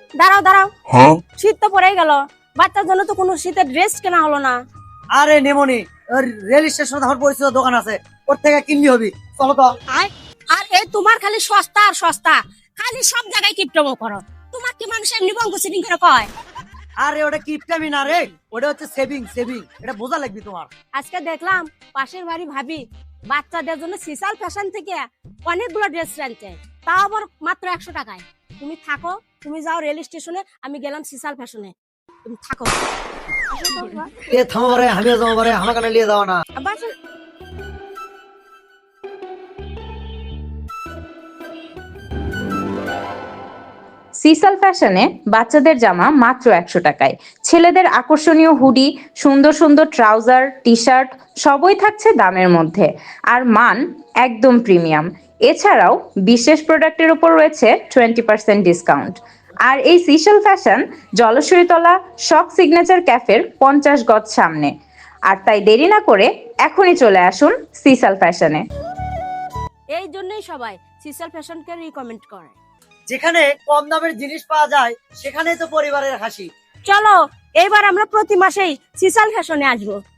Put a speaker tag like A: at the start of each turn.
A: দাঁড়াও দাঁড়াও, শীত তো পড়েই গেল, বাচ্চার জন্য তো কোনো শীতের ড্রেস কেনা হলো না।
B: আরে নেমনি, রেল স্টেশনে আমার পরিচিত দোকান আছে, ওর থেকে কিনলি হবি, চলো তো।
A: আর এই তোমার খালি সস্তা আর সস্তা, খালি সব জায়গায় কিপটমো করো। তোমার কি মানুষ এমনি বঙ্গ সিটিং করে কয়?
B: আরে ওটা কিপটামি না রে, ওটা হচ্ছে সেভিং সেভিং, এটা বোঝা লাগবে তোমার।
A: আজকে দেখলাম পাশের বাড়ি ভাবি বাচ্চাদের জন্য সিসাল ফ্যাশন থেকে অনেকগুলো ড্রেস আনছে, তাও আবার মাত্র 100 টাকায়। তুমি থাকো, তুমি যাও রেল স্টেশনে, আমি গেলাম সিসাল ফ্যাশনে, তুমি থাকো।
B: এ থামো বারে, আমিও যাবো বারে, আমার কানে নিয়ে যাও না।
A: বাস।
C: সিসাল ফ্যাশনে বাচ্চাদের জামা মাত্র 100 টাকায়, ছেলেদের আকর্ষণীয় হুডি, সুন্দর সুন্দর ট্রাউজার, টি শার্ট সবই থাকছে দামের মধ্যে, আর মান একদম প্রিমিয়াম। এছাড়াও বিশেষ প্রোডাক্টের উপর রয়েছে 20% ডিসকাউন্ট। আর এই সিসাল ফ্যাশন জলসইতলা শক সিগনেচার ক্যাফের 50 গজ সামনে। আর তাই দেরি না করে এখনই চলে আসুন সিসাল ফ্যাশনে।
A: এই জন্যই সবাই সিসাল ফ্যাশনকে রিকমেন্ড করে।
B: যেখানে কম দামের জিনিস পাওয়া যায় সেখানেই তো পরিবারের হাসি।
A: চলো, এইবার আমরা প্রতি মাসেই সিসাল ফ্যাশনে আসবো।